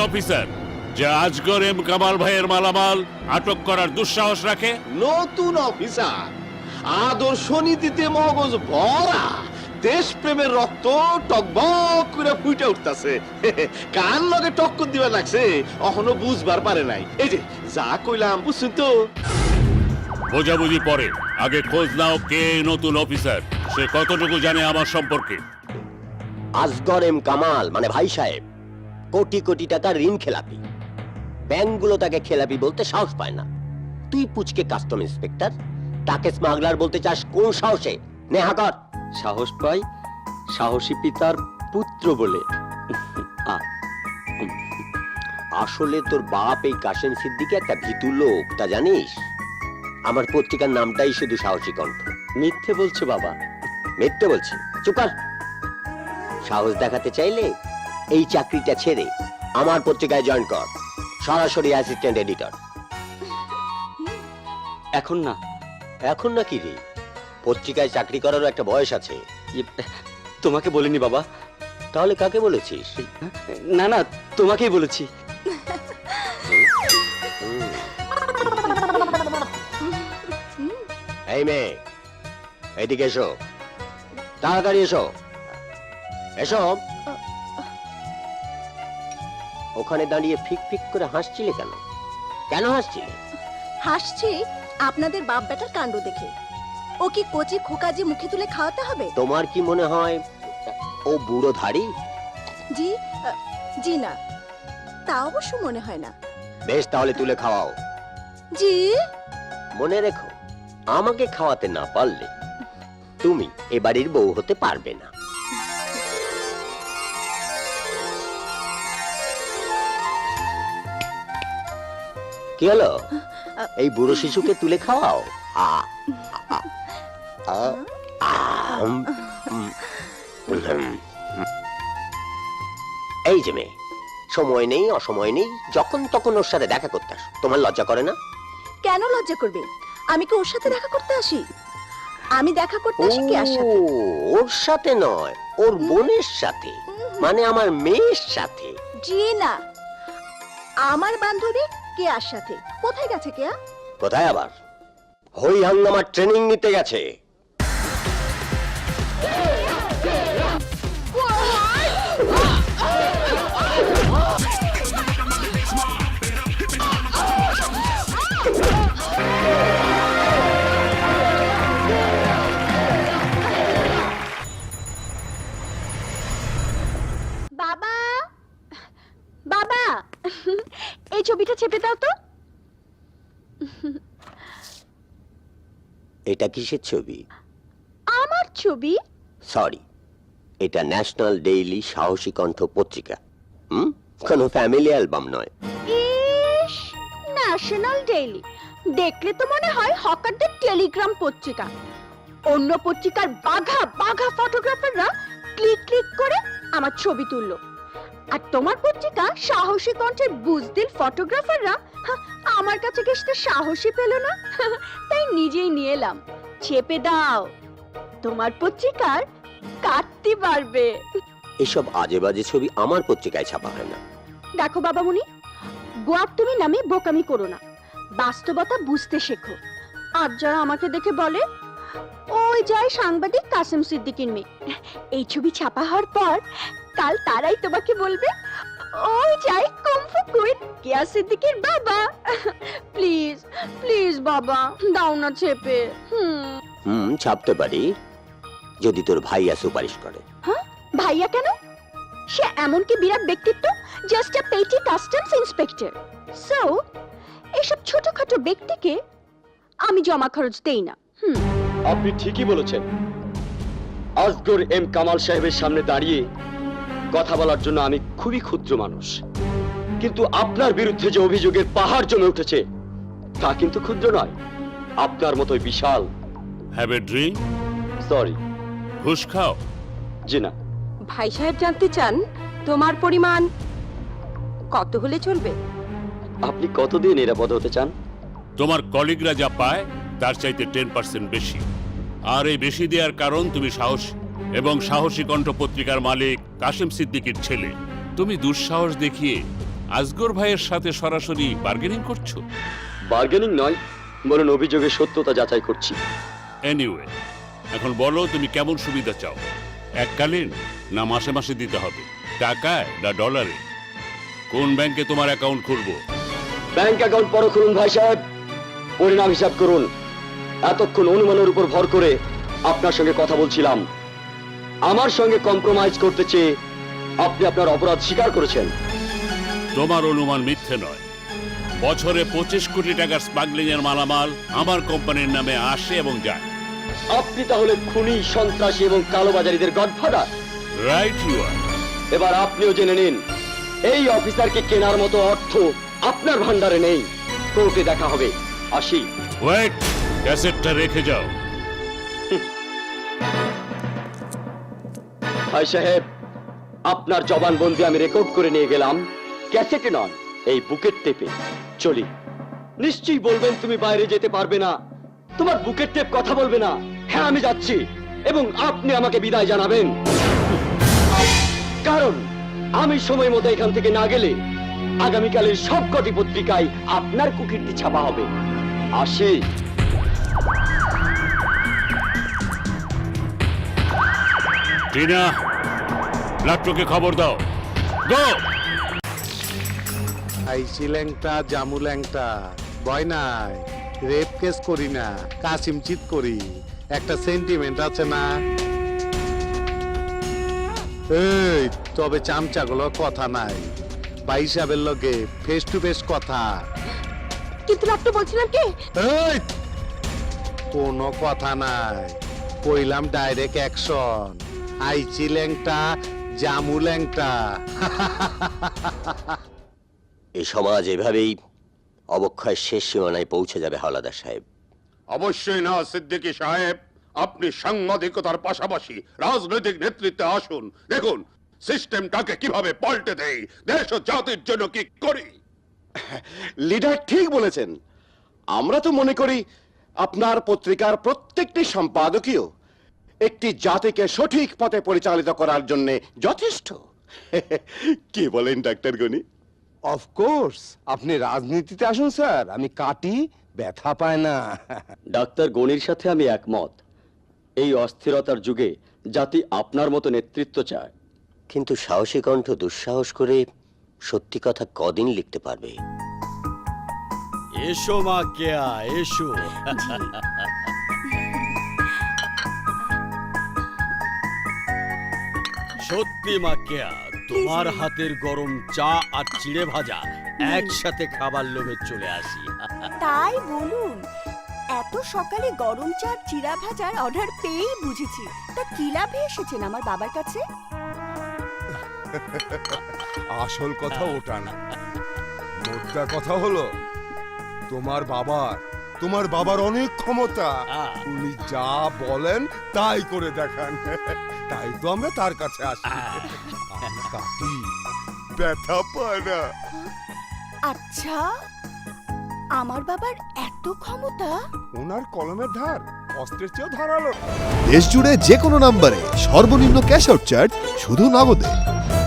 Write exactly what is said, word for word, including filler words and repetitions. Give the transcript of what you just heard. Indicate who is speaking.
Speaker 1: Officer যে Azgar M Kamal ভাইয়ের মালামাল আটক করার দুঃসাহস রাখে?
Speaker 2: নতুন অফিসার, আদর্শ নীতিতে মগজ ভরা, দেশপ্রেমের রক্ত টকবক করে ফুটে উঠতেছে। কান লগে টক্কর দিবা লাগছে, এখনো বুঝবার পারে নাই। এই যে যা কইলাম বুঝছেন তো?
Speaker 1: বোঝাবুঝি পরে, আগে খোঁজ নাও কে নতুন অফিসার, সে কতটুকু জানে আমার সম্পর্কে।
Speaker 3: আজগর এম কামাল মানে ভাই সাহেব কোটি কোটি টাকা ঋণ খেলাপি, ব্যাংকগুলো তাকে খেলাপি বলতে সাহস পায় না। তুই পুচকে কাস্টম ইন্সপেক্টর, তাকে স্মাগলার বলতে চাস কোন সাহসে? নেহা কর।
Speaker 4: সাহস পাই সাহসী পিতার পুত্র বলে।
Speaker 3: আসলে তোর বাপ এই কাশেম সিদ্দিকী একটা ভীতু লোক, তা জানিস? আমার পত্রিকার নামটাই শুধু সাহসী কণ্ঠ।
Speaker 4: মিথ্যে বলছো বাবা।
Speaker 3: মিথ্যে বলছি? চুপ কর। সাহস দেখাতে চাইলে এই চাকরিটা ছেড়ে আমার পত্রিকায় জয়েন কর, সরাসরি অ্যাসিস্ট্যান্ট এডিটর।
Speaker 4: এখন না।
Speaker 3: এখন না কি রে? পত্রিকায় চাকরি করারও একটা বয়স আছে।
Speaker 4: ইয়ে, তোমাকে বলিনি বাবা।
Speaker 3: তাহলে কাকে বলেছিস?
Speaker 4: না না, তোমাকেই বলেছি।
Speaker 3: এই মেয়ে, এদিকে এসো, তাড়াতাড়ি এসো। এসো। ওখানে দাঁড়িয়ে ফিক ফিক করে হাসছিলে কেন? কেন হাসছিলে?
Speaker 5: হাসছি আপনাদের বাপ বেটার কাণ্ড দেখে। ও কি কচি খোকাজি মুখে তুলে খাওয়াতে হবে?
Speaker 3: তোমার কি মনে হয় ও বুড়ো ধাড়ি?
Speaker 5: জি আহ, জি না, তা অবশ্য মনে হয় না।
Speaker 3: বেশ, তাহলে তুলে খাওয়াও।
Speaker 5: জি।
Speaker 3: মনে রেখো, আমাকে খাওয়াতে না পারলে তুমি এ বাড়ির বউ হতে পারবে না। কি হলো? এই বুড়ো শিশুকে তুলে খাওয়াও। আ, আ, আ, আ, উম, উম, উম। এই যে মেয়ে, সময় নেই অসময় নেই, যখন তখন ওর সাথে দেখা করতে আসো। তোমার লজ্জা করে না?
Speaker 5: কেন লজ্জা করবে? আমি কি ওর সাথে দেখা করতে আসি? আমি দেখা করতে আসি কে আসে?
Speaker 3: ও, ওর সাথে নয়, ওর বোনের সাথে, মানে আমার মেয়ের সাথে।
Speaker 5: জি না, আমার বান্ধবী কেয়ার সাথে। কোথায় গেছে কেয়া?
Speaker 3: কোথায় আবার? হই হাঙ্গামার ট্রেনিং নিতে গেছে।
Speaker 5: বাবা, বাবা, এই ছবিটা চেপে দাও তো।
Speaker 3: এটা কিসের ছবি?
Speaker 5: আমার ছবি?
Speaker 3: সরি, এটা ন্যাশনাল ডেইলি সাহসী কণ্ঠ পত্রিকা। হুম, কোনো ফ্যামিলি অ্যালবাম নয়।
Speaker 5: ইস, ন্যাশনাল ডেইলি দেখলে তো মনে হয় হকারদের টেলিগ্রাম পত্রিকা। অন্য পত্রিকার বাঘা বাঘা ফটোগ্রাফাররা ক্লিক ক্লিক করে আমার ছবি তুললো, আর তোমার পত্রিকা সাহসী কণ্ঠের বুজদিল ফটোগ্রাফাররা আমার কাছে ঘেঁষতে সাহসী পেল না, তাই নিজেই নিয়ে এলাম। চেপে দাও, তোমার পত্রিকার কাটতে পারবে।
Speaker 3: এসব আজে বাজে ছবি আমার পত্রিকায় ছাপা হয় না।
Speaker 5: দেখো বাবামণি, গোয়ার তুমি নামে বোকামি করো না, বাস্তবতা বুঝতে শেখো। আর যারা আমাকে দেখে বলে ওই যায় সাংবাদিক কাসেম সিদ্দিকীর মেয়ে, এই ছবি ছাপা হওয়ার পর কাল তারাই তোমাকে বলবে ওই যায় কুমফু কুইন কেয়া সিদ্দিকীর বাবা। প্লিজ প্লিজ বাবা, দাও না চেপে। হুম
Speaker 3: হুম, ছাপতে পারি যদি তোর ভাইয়া সুপারিশ করে।
Speaker 5: হ্যাঁ, ভাইয়া কেন? সে এমন কি বিরাট ব্যক্তিত্ব, জাস্ট আ পেটি কাস্টমস ইন্সপেক্টর। সো এসব ছোটখাটো ব্যক্তিকে আমি জমা খরচ দেই না। হুম,
Speaker 4: আপনি ঠিকই বলেছেন। আজগর এম কামাল সাহেবের সামনে দাঁড়িয়ে কথা বলার জন্য আমি খুবই ক্ষুদ্র মানুষ, কিন্তু আপনার বিরুদ্ধে যে অভিযোগের পাহাড় জমে উঠেছে তা কিন্তু ক্ষুদ্র নয়, আপনার মতোই বিশাল।
Speaker 1: Have a drink?
Speaker 4: সরি।
Speaker 1: ঘুষ খাও?
Speaker 4: জি না।
Speaker 5: ভাই সাহেব জানতে চান তোমার পরিমাণ কত হলে চলবে?
Speaker 4: আপনি কতদিন নিরাপদ হতে চান?
Speaker 1: তোমার কলিগরা যা পায় তার চাইতে টেন পার্সেন্ট বেশি। আর এই বেশি দেওয়ার কারণ তুমি সাহস এবং সাহসী কণ্ঠ পত্রিকার মালিক কাশেম সিদ্দিকীর ছেলে। তুমি দুঃসাহস দেখিয়ে আজগর ভাইয়ের সাথে সরাসরি বার্গেনিং করছো?
Speaker 4: বার্গেনিং নয়, বরং অভিযোগের সত্যতা যাচাই করছি।
Speaker 1: এনিওয়ে, এখন বলো তুমি কেমন সুবিধা চাও? এককালীন না মাসে মাসে দিতে হবে? টাকায় না ডলারে? কোন ব্যাংকে তোমার অ্যাকাউন্ট খুলবো?
Speaker 4: ব্যাংক অ্যাকাউন্ট পরে খুলুন ভাই সাহেব, পরিণাম হিসাব করুন। এতক্ষণ অনুমানের উপর ভর করে আপনার সঙ্গে কথা বলছিলাম। আমার সঙ্গে কম্প্রোমাইজ করতে চেয়ে আপনি আপনার অপরাধ স্বীকার করেছেন।
Speaker 1: তোমার অনুমান মিথ্যে নয়। বছরে পঁচিশ কোটি টাকার স্মাগলিং এর মালামাল আমার কোম্পানির নামে আসে এবং যায়।
Speaker 4: আপনি তাহলে খুনি, সন্ত্রাসী এবং কালোবাজারিদের গডফাদার।
Speaker 1: Right you are.
Speaker 4: এবার আপনিও জেনে নিন, এই অফিসারকে কেনার মতো অর্থ আপনার ভান্ডারে নেই। কোর্টে দেখা হবে, আসি।
Speaker 1: ওয়েট, ক্যাসেটটা রেখে যাও।
Speaker 4: ভাই সাহেব, আপনার জবানবন্দি আমি রেকর্ড করে নিয়ে গেলাম, ক্যাসেটে নয়, এই বুকের টেপে। চলি। নিশ্চয়ই বলবেন তুমি বাইরে যেতে পারবে না, তোমার বুকের টেপ কথা বলবে না। হ্যাঁ, আমি যাচ্ছি, এবং আপনি আমাকে বিদায় জানাবেন, কারণ আমি সময় মতো এখান থেকে না গেলে আগামীকালের সবকটি পত্রিকায় আপনার কুকীর্তি ছাপা হবে। আসি।
Speaker 1: টিনা, লাট্টুকে খবর দাও। গো!
Speaker 6: আইসি ল্যাংটা, জামু ল্যাংটা, ভয় নাই, রেপ কেস করি না, কাসিম চিত করি, একটা সেন্টিমেন্ট আছে না? এই তবে চামচাগুলো কথা নাই, ভাই সাহেবের লগে ফেস টু ফেস কথা।
Speaker 5: কিন্তু লাট্টু বলছিলাম কি,
Speaker 6: এই কোনো কথা নাই, কইলাম ডাইরেক্ট অ্যাকশন। আইচি ল্যাংটা, জামু ল্যাংটা।
Speaker 3: এই সমাজ এভাবেই অবক্ষয়ের শেষ সীমানায় পৌঁছে যাবে হাওলাদার সাহেব।
Speaker 7: অবশ্যই না সিদ্দিকী সাহেব, আপনি সাংবাদিকতার পাশাপাশি রাজনৈতিক নেতৃত্বে আসুন। দেখুন সিস্টেমটাকে কিভাবে পাল্টে দেই, দেশ ও জাতির জন্য কি করি।
Speaker 2: লিডার ঠিক বলেছেন। আমরা তো মনে করি আপনার পত্রিকার প্রত্যেকটি সম্পাদকীয় একটি জাতিকে সঠিক পথে পরিচালিত করার জন্য যথেষ্ট। কি বলেন ডাক্তার গনি?
Speaker 8: অফকোর্স, আপনি রাজনীতিতে আসুন স্যার, আমি কাটি, ব্যথা পায় না।
Speaker 4: ডাক্তার গনির সাথে আমি একমত। এই অস্থিরতার যুগে জাতি আপনার মতো নেতৃত্ব চায়।
Speaker 3: কিন্তু সাহসী কণ্ঠ দুঃসাহস করে সত্যি কথা কদিন লিখতে পারবে?
Speaker 9: এসো মা কেয়া, এসো। সত্যি মা কেয়া, তোমার হাতের গরম চা আর চিড়ে ভাজা একসাথে খাবার লোভে চলে আসি।
Speaker 5: তাই বলুন, এত সকালে গরম চা চিড়া ভাজার অর্ডার পেয়েই বুঝেছি। তা কি লাভে এসেছেন আমার বাবার কাছে?
Speaker 8: আসল কথা ওটা না, মোদ্দা কথা হলো তোমার বাবার তোমার বাবার অনেক ক্ষমতা, উনি যা বলেন তাই করে দেখান, তাই তো আমরা তার কাছে আসি। আমি কাটি, ব্যথা পায় না।
Speaker 5: আচ্ছা, আমার বাবার এত ক্ষমতা?
Speaker 8: ওনার কলমের ধার অস্ত্রের চেয়েও ধারালো।
Speaker 10: দেশ জুড়ে যে কোনো নম্বরে সর্বনিম্ন ক্যাশ আউট চার্জ শুধু নগদে।